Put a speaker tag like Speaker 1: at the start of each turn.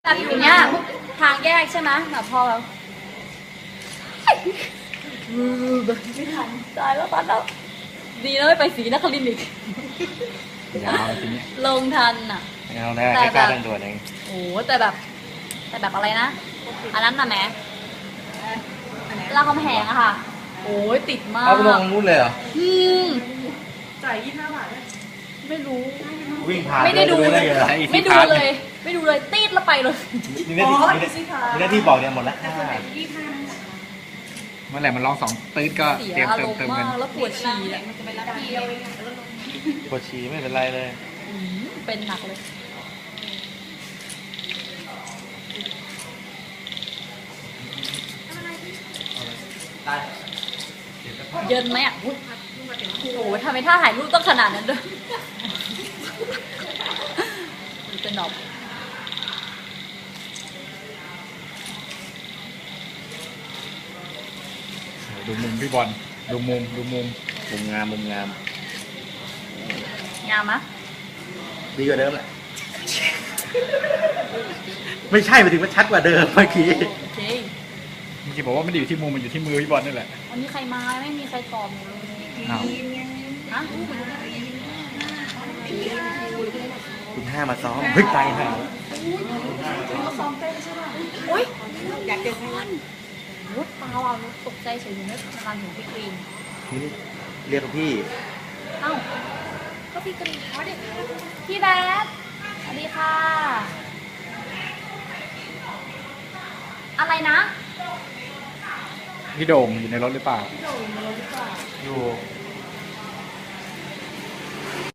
Speaker 1: แบบอยู่เนี้ยทางแยกใช่ไหมแบบพอแบบไม่ทันตายแล้วตอนแล้วดีนะไม่ไปศรีนครินทร์อีก
Speaker 2: ยาวทีนี้
Speaker 1: ลงทันอ่ะ
Speaker 2: เอาได้แค่กล้าเดินตัวเอง
Speaker 1: โอ้แต่แบบอะไรนะอันนั้นน่ะแม่รามคำแหงอะค่ะโอ้ยติดมาก
Speaker 2: เอาไปลงนู้นเลยเหรอ
Speaker 1: อืม
Speaker 3: จ่าย25 บาท
Speaker 1: ไม่รู้
Speaker 2: วิ่งผ่าน
Speaker 1: ไม่ได้ดู
Speaker 2: เล
Speaker 1: เลย ย
Speaker 2: เหรอ
Speaker 1: ไม่ดูเลย ไม่ดูเลยตีดแล้วไปเลย
Speaker 2: มีหน้าที่มีหน้าที่บอกเนี่ยหมดแล้ว
Speaker 4: เมื่อไหร่มันร้องสองตื้นก็
Speaker 1: เสีย
Speaker 4: เตรียม
Speaker 1: อา
Speaker 4: เติ
Speaker 1: ร
Speaker 4: ม
Speaker 1: มณ์
Speaker 4: เติม
Speaker 1: มา
Speaker 4: กัน
Speaker 1: กแล้วปวดฉี่อ่ะ
Speaker 2: ปวดฉี่ไม่เป็นไรเลย
Speaker 1: เป็นหนักเลยเยินไหมอ่ะอุ๊ยโอ้โหทำไมท่าถ่ายรูปต้องขนาดนั้นด้วยเป็นดอก
Speaker 4: ดูมุมพี่บอลดูมุม
Speaker 2: มุมงาม
Speaker 1: งามมะ
Speaker 2: ดีกว่าเดิมแหละ ไม่ใช่หมายถึงว่าชัดกว่าเดิมเมื่อกี้
Speaker 1: โอเค
Speaker 4: เมื่อกี้บอกว่าไม่ได้อยู่ที่มุมมันอยู่ที่มือพี่บอลนี่แหละ
Speaker 1: วันนี้ใครมาไม่มีใครตอบหนูเลย
Speaker 4: อ้าว
Speaker 1: ฮะ
Speaker 2: คุณห้ามาซ้อมเฮ้ยตายห่า
Speaker 1: อุ้ย
Speaker 3: อยากเจอใคร
Speaker 1: รถเปล่าอ่ะรถตกใจเฉยอยู่ไม่ทันถึงพี่กรีน
Speaker 2: เรียกพี่
Speaker 1: เอ้าก็พี่กรีนพี่แบ๊บสวัสดีค่ะ อะไรนะ
Speaker 4: พี่โด่งอยู่ในรถหรือเปล่า
Speaker 2: อยู่